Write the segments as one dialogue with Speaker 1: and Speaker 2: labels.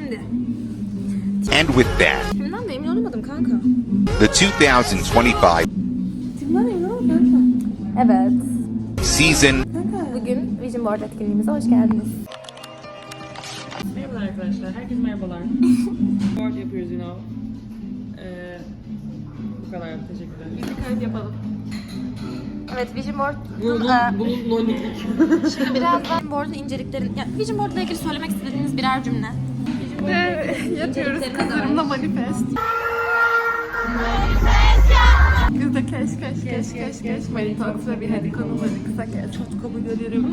Speaker 1: Şimdi.
Speaker 2: And with that,
Speaker 1: Kimden de emin olamadım kanka.
Speaker 2: the 2025
Speaker 1: Kimden emin olamadım kanka. Evet.
Speaker 2: season
Speaker 1: Bugün Vision Board etkinliğimize hoş geldiniz.
Speaker 3: Merhabalar arkadaşlar, herkese merhabalar. Board yapıyoruz yine o. Bu kadar, teşekkürler. Biz bir kayıt yapalım.
Speaker 1: Evet, Vision Board.
Speaker 3: Bunun nonniklik.
Speaker 1: Şimdi birazdan board'un inceliklerini... Ya, Vision Board'la ilgili söylemek istediğiniz birer cümle.
Speaker 4: Yatıyoruz kızlarımla manifest. Biz de keş manifest ve bir hadi konuları kısa kes. Çok kabul ederim.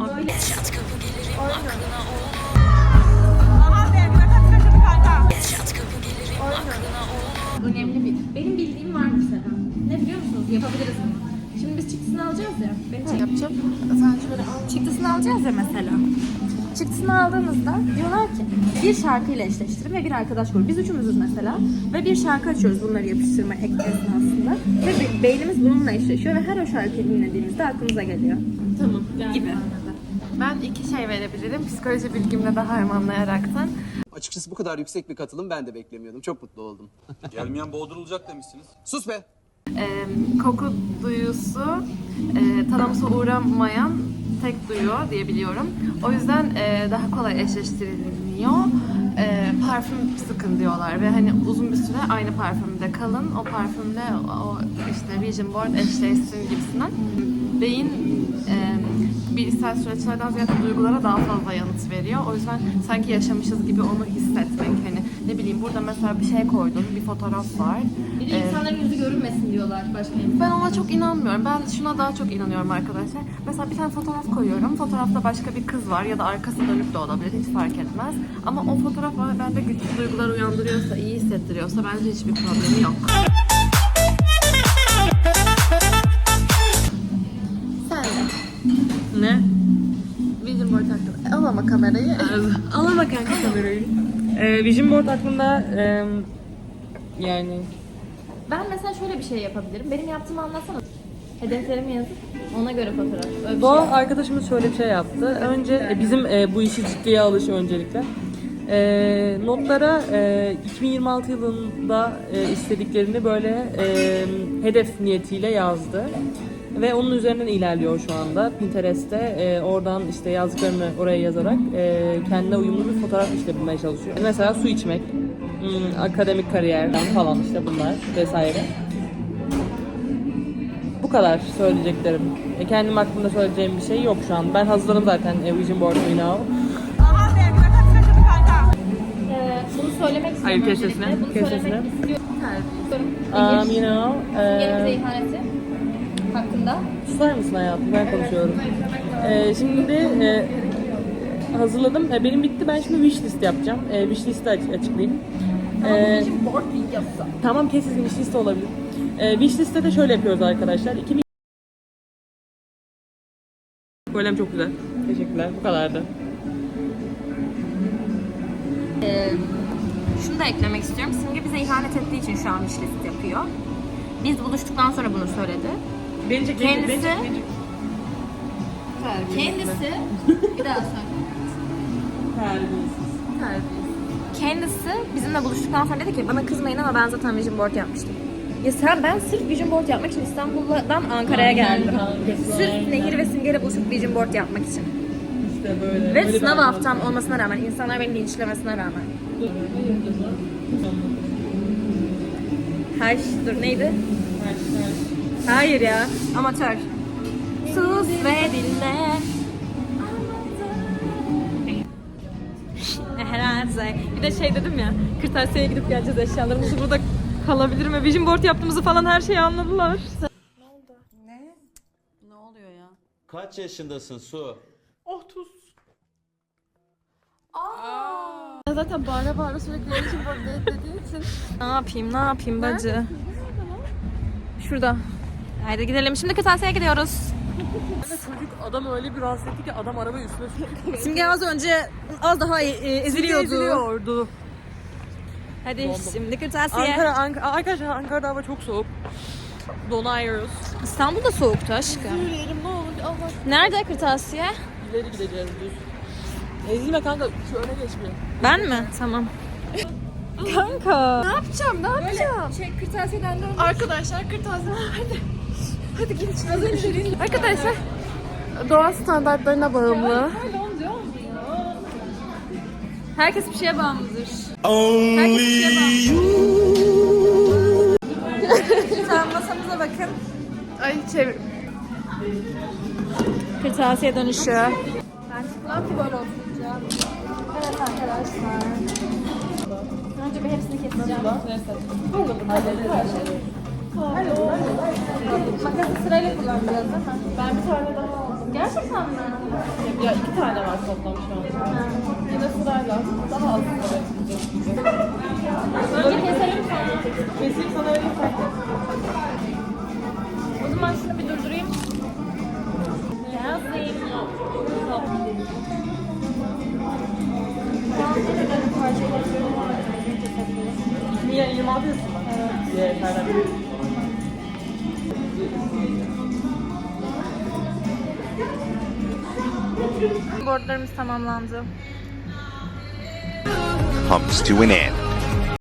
Speaker 1: Önemli bir. Benim bildiğim var mesela. Ne biliyor musunuz? Yapabiliriz bunu. Şimdi biz çıktısını alacağız ya.
Speaker 4: Yapacağım. Sen şöyle al.
Speaker 1: Çıktısını alacağız ya mesela. Çıktısını aldığımızda diyorlar ki bir şarkıyla eşleştirin ve bir arkadaş grubu. Biz üçümüzüz mesela ve bir şarkı açıyoruz bunları yapıştırma esnasında ve beynimiz bununla eşleşiyor ve her o şarkıyı dinlediğimizde aklımıza geliyor.
Speaker 3: Tamam,
Speaker 1: Gibi.
Speaker 4: Ben iki şey verebilirim. Psikoloji bilgimle daha harmanlayaraktan.
Speaker 5: Açıkçası bu kadar yüksek bir katılım ben de beklemiyordum. Çok mutlu oldum.
Speaker 6: Gelmeyen boğdurulacak demişsiniz.
Speaker 5: Sus be!
Speaker 4: Koku duyusu tanımsa uğramayan tek duyu diye biliyorum. O yüzden daha kolay eşleştiriliyor. Parfüm sıkın diyorlar ve hani uzun bir süre aynı parfümde kalın. O parfümle o işte Vision Board eşleşsin gibisinden. Beyin bilişsel süreçlerden ziyade duygulara daha fazla yanıt veriyor. O yüzden sanki yaşamışız gibi onu hissetmek. Hani ne bileyim burada mesela bir şey koydum, bir fotoğraf var.
Speaker 1: Bir de insanların yüzü görünmesin diyorlar başka bir.
Speaker 4: Ben ona çok inanmıyorum. Ben şuna daha çok inanıyorum arkadaşlar. Mesela bir tane fotoğraf koyuyorum. Fotoğrafta başka bir kız var ya da arkası dönük de olabilir. Hiç fark etmez. Ama o fotoğraf bende güçlü duygular uyandırıyorsa, iyi hissettiriyorsa bence hiçbir problemi yok. Sen de.
Speaker 3: Ne?
Speaker 4: Vision Board hakkında. Al ama kamerayı.
Speaker 3: Alama kanka kamerayı. Vision Board hakkında yani...
Speaker 1: Ben mesela şöyle bir şey yapabilirim. Benim yaptığımı anlatsana. Hedeflerimi yazıp ona göre fotoğraf. Öyle bir
Speaker 3: Bu
Speaker 1: şey.
Speaker 3: arkadaşımız şöyle bir şey yaptı. Önce bizim bu işi ciddiye alışı öncelikle. Notlara 2026 yılında istediklerini böyle hedef niyetiyle yazdı. Ve onun üzerinden ilerliyor şu anda Pinterest'te. Oradan işte yazdıklarını oraya yazarak kendine uyumlu bir fotoğraf işte bulmaya çalışıyor. Mesela su içmek, akademik kariyerden falan işte bunlar vesaire. Bu kadar söyleyeceklerim. Kendim hakkında söyleyeceğim bir şey yok şu an. Ben hazırladım zaten Vision Board'u now.
Speaker 1: Bunu söylemek istiyorum.
Speaker 3: Hayır, köşesine.
Speaker 1: öncelikle. Bunu
Speaker 3: Köşesine.
Speaker 1: söylemek istiyorum.
Speaker 3: Nehir,
Speaker 1: Bize ihaneti hakkında.
Speaker 3: susar mısın hayatım? Ben konuşuyorum. Şimdi hazırladım. Benim bitti. Ben şimdi wishlist yapacağım. Wishlist'i açıklayayım.
Speaker 1: Board videosu.
Speaker 3: Tamam, kesin wishlist olabilir. Wishlist'te de şöyle yapıyoruz arkadaşlar. Kolem çok güzel. Teşekkürler. Bu kadardı.
Speaker 1: Şunu da eklemek istiyorum. Simge bize ihanet ettiği için şu an wishlist yapıyor. Biz buluştuktan sonra bunu söyledi. Kendisi bir daha söyle. Kendisi bizimle buluştuktan sonra dedi ki bana kızmayın ama ben zaten Vision Board yapmıştım. Ya ben sırf Vision Board yapmak için İstanbul'dan Ankara'ya geldim. Sırf Nehir ve Simge'yle buluşup Vision Board yapmak için.
Speaker 3: İşte böyle.
Speaker 1: Ve sınav haftam olmasına rağmen, insanlar beni linçlemesine rağmen. Dur neydi? Hayır ya, amatör. Sus ve dinle. Herhalde. Bir de şey dedim ya, kırtasiyeye gidip geleceğiz, eşyalarımızı burada kalabilir mi? Vision Board yaptığımızı falan her şeyi anladılar.
Speaker 4: Ne oluyor ya?
Speaker 6: Kaç yaşındasın Su?
Speaker 4: Zaten bağıra sürekli Vision Board dediği için.
Speaker 1: Ne yapayım bacı? Şurada. Haydi gidelim. Şimdi kırtasiyeye gidiyoruz.
Speaker 3: Çocuk adam öyle bir rahatsız etti ki adam arabayı üstüne sürdü.
Speaker 1: Simge az önce az daha eziliyordu. Hadi şimdi kırtasiye.
Speaker 3: Arkadaşlar Ankara'da hava çok soğuk. Donuyoruz.
Speaker 1: İstanbul'da soğuktu aşkım.
Speaker 3: Yürüyelim ne olur. Allah.
Speaker 1: Nerede kırtasiye?
Speaker 3: İleri gideceğiz düz. Ezilme kanka şu öne geç bir.
Speaker 1: Ben mi? Tamam. Kanka.
Speaker 4: Ne yapacağım? Ne yapacağım?
Speaker 1: Şey kırtasiyeden dön.
Speaker 4: Arkadaşlar kırtasiye hadi. Hadi gidin şimdi. Arkadaşlar doğa standartlarına bağımlı.
Speaker 1: Herkes bir şeye bağımlıdır. Herkes bir şeye bağımlıdır. Tamam masamıza bakın.
Speaker 4: Ay çevir.
Speaker 1: Kırtasiye dönüşü. Ben çıkmam ki böyle oturunca. Evet arkadaşlar. Önce bir hepsini keseceğim. Makası sırayla kullanacağız değil mi?
Speaker 3: Ben bir tane daha aldım.
Speaker 1: Gerçekten mi?
Speaker 3: Ya 2 tane var toplam şu an. Yine sırayla daha az
Speaker 1: Önce keselim sonra.
Speaker 3: Keseyim sana öyle fark et.
Speaker 1: O zaman şunu bir durdurayım. Yazayım.
Speaker 3: Niye 26 yaşında? Evet.
Speaker 1: Boardlarımız tamamlandı.
Speaker 2: comes to an end.